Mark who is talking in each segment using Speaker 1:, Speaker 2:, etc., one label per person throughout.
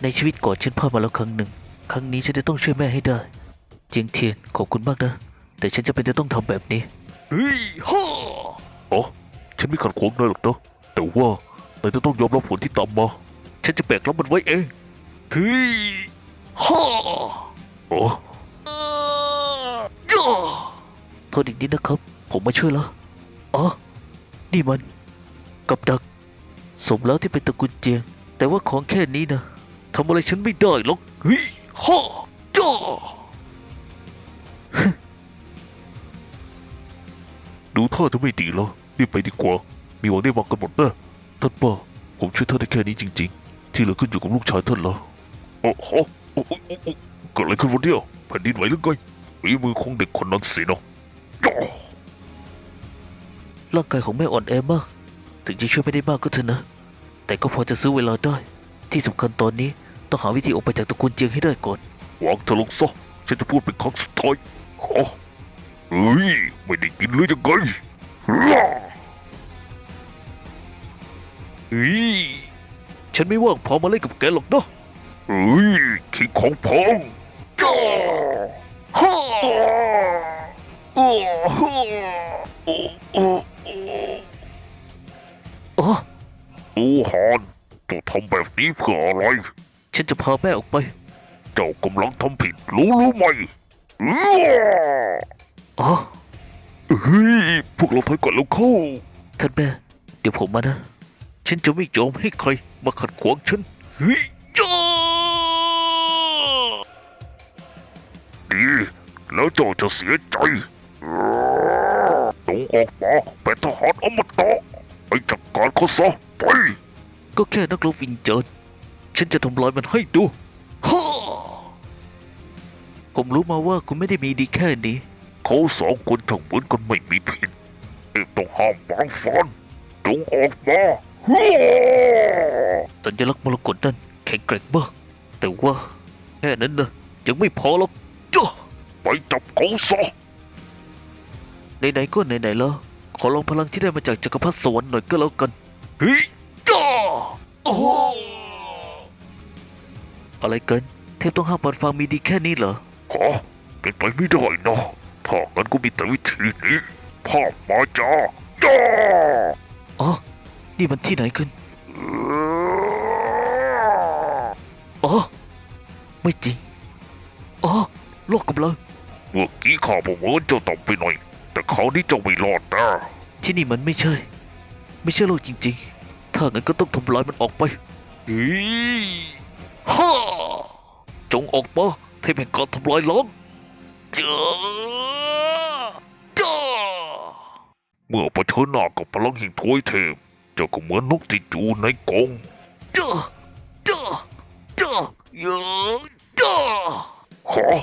Speaker 1: ในชีวิตก่อนฉันพลาดมาแล้วครั้งหนึ่งครั้งนี้ฉันจะต้องช่วยแม่ให้ได้เจียงเทียนขอบคุณมากนะแต่ฉันจะเป็นจะต้องทำแบบนี้
Speaker 2: เฮ้ยฮ่าอ๋อฉันไม่ขัดขวางนายหรอกนะแต่ว่านายจะต้องยอมรับผลที่ตามมาฉันจะแบกรับมันไว้เองเฮ้ยฮ่าอ๋อ
Speaker 1: จ้าโทษอีกนิดนะครับผมมาช่วยแล้วอ๋อนี่มันกับดักสมแล้วที่เป็นตระกูลเจียงแต่ว่าของแค่นี้นะทำอะไรฉันไม่ได้หรอก
Speaker 2: เฮ้ยฮ่า
Speaker 1: จ้า
Speaker 2: ดูท่าจะไม่ดีแล้วรีบไปดีกว่ามีหวังได้วางกันหมดนะท่านป้าผมช่วยท่านได้แค่นี้จริงๆที่เหลือขึ้นอยู่กับลูกชายท่านแล้วโอ้โหเกิดอะไรขึ้นวันเดียวแผ่นดินไหวหรือไงฝีมือของเด็กคนนั้นสินะ
Speaker 1: ร่างกายของแม่อ่อนแอมากถึงจะช่วยไม่ได้มากก็เถอะนะแต่ก็พอจะซื้อเวลาได้ที่สำคัญตอนนี้ต้องหาวิธีออกไปจากตระกูลเจียงให้ได้ก่อน
Speaker 2: วางเธอลงซะฉันจะพูดเป็นครั้งสุดท้ายเฮ้ยไม่ได้กินเลยยังไง
Speaker 1: เฮ้ยฉันไม่ว่างพอมาเล่นกับแกหรอกนะ
Speaker 2: เฮ้ยคิดของพองจ้าฮ่าโอ้โหโอ้โอ้
Speaker 1: อ๋อ
Speaker 2: โอ้ฮานเจ้าทำแบบนี้เพื่ออะไร
Speaker 1: ฉันจะพาแม่ออกไป
Speaker 2: เจ้ากำลังทำผิดรู้ไหม
Speaker 1: อ๋อ
Speaker 2: เฮ้ยพวกเราถอยก่อนแล้วเข้า
Speaker 1: ท่านแม่เดี๋ยวผมมานะฉันจะไม่ยอมให้ใครมาขัดขวางฉัน
Speaker 2: เฮ้ยจ้าดีแล้วเจ้าจะเสียใจจงออกมาเป็นทหารอมตะไปจัดการเขาซะไป
Speaker 1: ก็แค่นักรบวิญญาณฉันจะทำลายมันให้ดูฮ่าผมรู้มาว่าคุณไม่ได้มีดีแค่นี้
Speaker 2: เขาสองคนช่างเหมือนกันไม่มีผิดต้องห้ามวางฟันจงออกมา
Speaker 1: สัญลักษณ์มรกตนั้นแข็งแกร่งมากแต่ว่าแค่นั้นนะยังไม่พอหรอกจ้า
Speaker 2: ไปจับเขาซะ
Speaker 1: ไหนๆก็ไหนๆแล้วขอลองพลังที่ได้มาจากจักรพรรดิสวรรค์หน่อยก็แล้วกัน
Speaker 2: เฮ้ยจ้า
Speaker 1: โอ้อะไรกันเทพต้องห้ามปอนฟังมีดีแค่นี้เหรอ
Speaker 2: ขอเป็นไปไม่ได้นะถ้างั้นก็มีแต่วิธีนี้ภาพมาจ้า
Speaker 1: อ๋อนี่มันที่ไหนกันอ๋อไม่จริงอ๋อโลกกำลัง
Speaker 2: เมื่อกี้ข้าบอกว่าเจ้าต่ำไปหน่อยแต่คราวนี้เจ้าไม่รอดนะ
Speaker 1: ที่นี่มันไม่ใช่โลกจริงๆถ้างั้นก็ต้องทำลายมันออกไป
Speaker 2: เฮ้ย
Speaker 1: ฮ่าจงออกมาเทพแห่งการทำลายล้างจ้า
Speaker 2: เมื่อเผชิญหน้ากับพลังแห่งทวยเทพเจ้าก็เหมือนนกที่จูในกรง
Speaker 1: จ้าจ้าเยอะจ้า
Speaker 2: ฮะ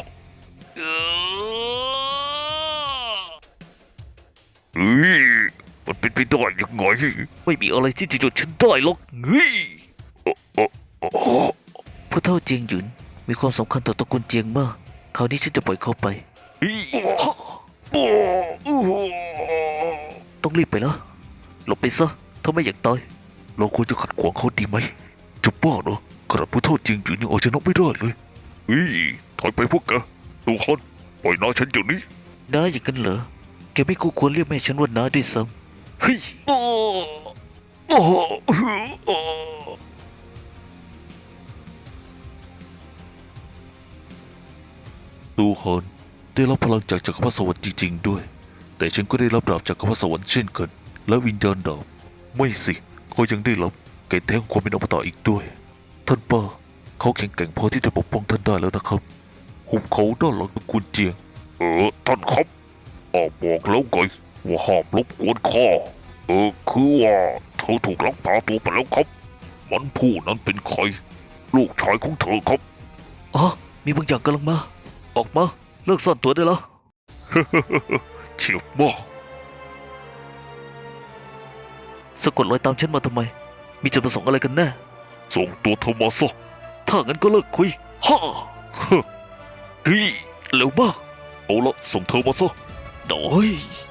Speaker 2: เฮ้ยมันเป็นไปได้ยังไง
Speaker 1: ไม่มีอะไรที่จะหยุดฉันได้หรอกเฮ้ยผู้เฒ่าเจียงหยุนมีความสำคัญต่อตระกูลเจียงมากคราวนี้ฉันจะปล่อยเขาไปต้องรีบไปแล้วหลบไปซะถ้าไม่อยากตาย
Speaker 2: เราควรจะขัดขวางเขาดีไหมจะบ้าเหรอขนาดผู้เฒ่าเจียงหยุนยังเอาชนะไม่ได้เลยเฮ้ยถอยไปพวกแกดูฮันปล่อยน้าฉันเดี๋ยวนี้
Speaker 1: น้าอย่างนั้นเหรอแกไม่คู่ควรเรียกแม่ฉันว่าน้าด้วยซ้ำเฮ้ย
Speaker 2: ดูฮันได้รับพลังจากจักรพรรดิสวรรค์จริงๆด้วยแต่ฉันก็ได้รับดาบจากจักรพรรดิสวรรค์เช่นกันและวิญญาณดาบไม่สิเขายังได้รับแก่แท้งความเป็นอมตะอีกด้วยท่านป้าเขาแข็งแกร่งพอที่จะปกป้องท่านได้แล้วนะครับหุบเขาด้านหลังตระกูลเจียงท่านครับบอกแล้วไงว่าห้ามรบกวนข้าคือว่าเธอถูกลักพาตัวไปแล้วครับมันผู้นั้นเป็นใครลูกชายของเธอครับ
Speaker 1: อ๋อมีบางอย่างกำลังมาออกมาเลิกซ่อนตัวได้แล้ว
Speaker 2: เฉียบมาก
Speaker 1: สะกดรอยตามฉันมาทำไมมีจุดประสงค์อะไรกันแน่
Speaker 2: ส่งตัวเธอมาซะ
Speaker 1: ถ้างั้นก็เลิกคุยฮ่าเฮ้ยเร็วมาก
Speaker 2: เอาละส่งเธอมาซะ
Speaker 1: โดย